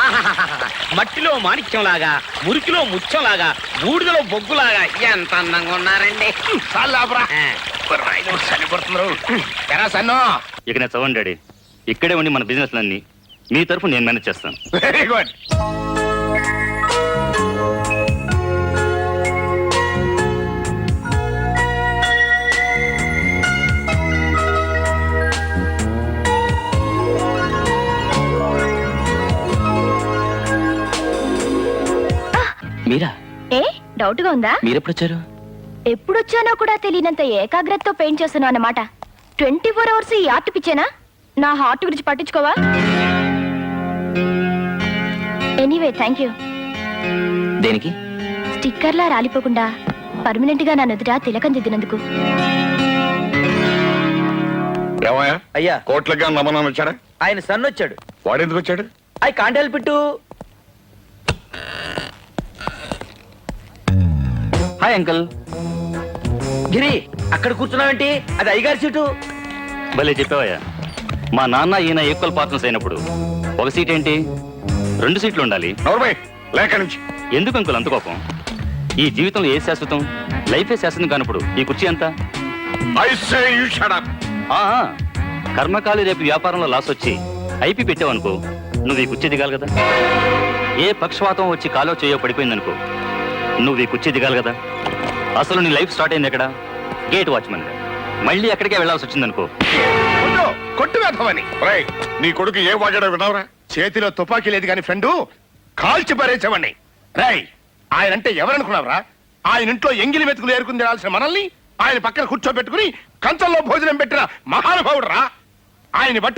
మట్టిలో మాణిక్యంలాగా, మురికిలో ముత్యంలాగా, బూడిదలో బొగ్గులాగా ఎంత అందంగా ఉన్నారండి. ఇక నేను చదవండి డాడీ. ఇక్కడే ఉండి మన బిజినెస్ అన్ని మీ తరఫు నేను మేనేజ్ చేస్తాను. Very good. మీరా? ఏ డౌట్ గా ఉందా? మీరెప్పుడు వచ్చారు? ఎప్పుడొచ్చానో కూడా తెలియనంత ఏకాగ్రతతో పెయింట్ చేస్తున్నావు అన్నమాట. 24 అవర్స్ ఈ ఆర్ట్ పిచ్చేనా? నా హార్ట్ గురించి పట్టించుకోవా? Anyway thank you. దేనికి? స్టిక్కర్లా రాలిపోకుండా పర్మనెంట్ గా నా నుదుట తిలకం దిద్దినందుకు. ఏమయ్యా అయ్యా, కోట్లగా నమ్మనం వచ్చాడా? ఆయన సన్ వచ్చాడు. వాడెందుకు వచ్చాడు? I can't help it. Hi uncle. గిరి, అక్కడ కూర్చున్నావేంటి? అది అయ్యగారి సీటు. భలే చెప్పావయ్యా. మా నాన్న ఈయన ఈక్వల్ పార్ట్నర్స్ అయినప్పుడు ఒక సీట్ ఏంటి, 2 సీట్లు ఉండాలి. నోర్మై లేక నుంచి. ఎందుకు అంకుల్ అంత కోపం? ఈ జీవితంలో ఏ శాశ్వతం? లైఫే శాశ్వతం కానప్పుడు ఈ కుర్చీ ఎంత? I say you shut up. కర్మకాలి రేపు వ్యాపారంలో లాస్ వచ్చి ఐపీ పెట్టావనుకో, నువ్వు ఈ కుర్చీ దిగాలి కదా. ఏ పక్షవాతం వచ్చి కాలో చేయో పడిపోయిందనుకో, నువ్వు ఈ కుర్చీ దిగాలి కదా. అసలు నీ లైఫ్ స్టార్ట్ అయింది ఎక్కడ? Gate watchman. మళ్ళీ ఎక్కడికే వెళ్లాల్సి వచ్చిందనుకో, కొట్టు వేద్దామని. నీ కొడుకు ఏ వాడాడో వినవరా? చేతిలో తుపాకీ లేదు కానీ ఫ్రెండు కాల్చి పారేసేవాడిని. రై, ఆయన అంటే ఎవరనుకున్నావురా? ఆయన ఇంట్లో ఎంగిలి మెతుకులు ఏరుకుని తినాల్సిన మనల్ని ఆయన పక్కన కూర్చోబెట్టుకుని కంచంలో భోజనం పెట్టిన మహానుభావుడు రా. ఆయన పట్టుకుని